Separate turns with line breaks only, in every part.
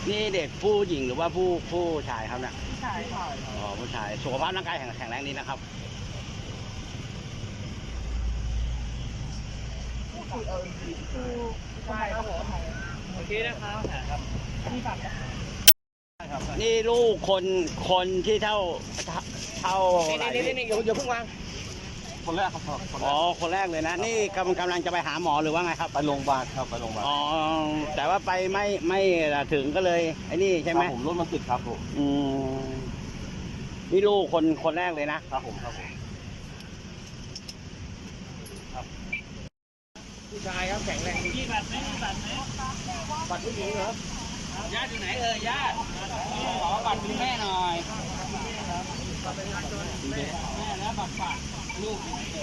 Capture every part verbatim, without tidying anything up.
นี่เด็กผู้หญิงหรือว่าผู้ผู้ชายครับเนี่ย
ผู้ชายค่ะ
อ๋อผู้ชายสุขภาพร่างกายแข็งแข็งแรงดีนะครับ
คือเออคือผู้ชายครับผมโอเคนะครับครับนี่แบบ
นี่ลูกคนคนที่เท่าเท่าไหร่
นี่นี่นี่อย่าอย่าเพิ่งวางคนแรกครับ
อ๋อคนแรกเลยนะนี่กำกำลังจะไปหาหมอหรือว่าไงครับ
ไปโรงพยาบาลครับไปโรงพยาบาล
อ๋อแต่ว่าไปไม่ไม่ถึงก็เลยไอ้นี่ใช่ไหม
ผมรถมันติดครับผม
อืมนี่ลูกคนคนแรกเลยนะครับ
ผมครับผมผู้ชายครับแข็งแรงดีบัตรไหมบัตรไหมบัตรผู้หญิงเหรอ
ญาติอยู่ไหนเอ่ยญาติขอบัตรคุณแม่หน่อยแม่แล้วบัตรฝากลูก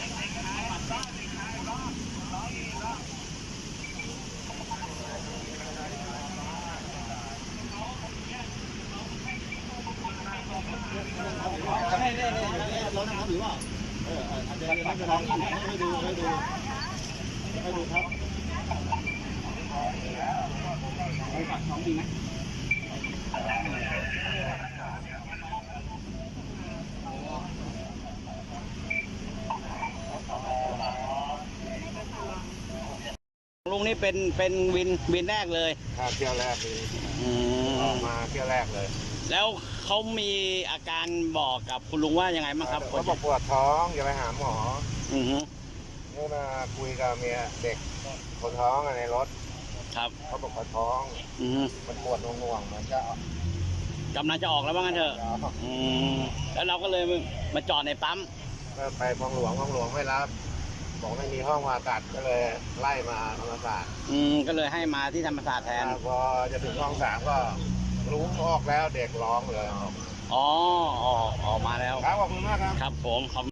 เน่เน่เน่รถน้ำหรือเปล่าเอออาจจะไม่เป็นไรให้ดูให้ดูให้ดูครับ
บัตรของจริงไหมลุงนี่เป็นเป็นวินวินแรกเลย
ครับเที่ยวแรกเลยออกมาเที่ยวแรกเลย
แล้วเขามีอาการบอกกับคุณลุงว่ายังไงบ้างครับ
เขาบอกปวดท้องอย่าไปหาหมอ
อือฮึ
นี่มาคุยกับเมียเด็กคนท้องในรถ
ครับ
เขาบอกปวดท้อง
อือ
มันปวดหน่วงๆเหมือนจะ
กำลังจะออกแล้วว่างั้นเถอะอืมแล้วเราก็เลยมาจอดในปั๊ม
ก็ไปคลองหลวงคลองหลวงไม่รับบอกไม่มีห้องผ่าตัดก็เลยไล่มาธรรมศาสตร์
อืมก็เลยให้มาที่ธรรมศาสตร์แทน
พอจะถึงห้องสามก็รู้ออกแล้วเด็กร้องเลย
อ๋อออกออกมาแล้ว
ครับขอบคุณมากครับ
ครับผม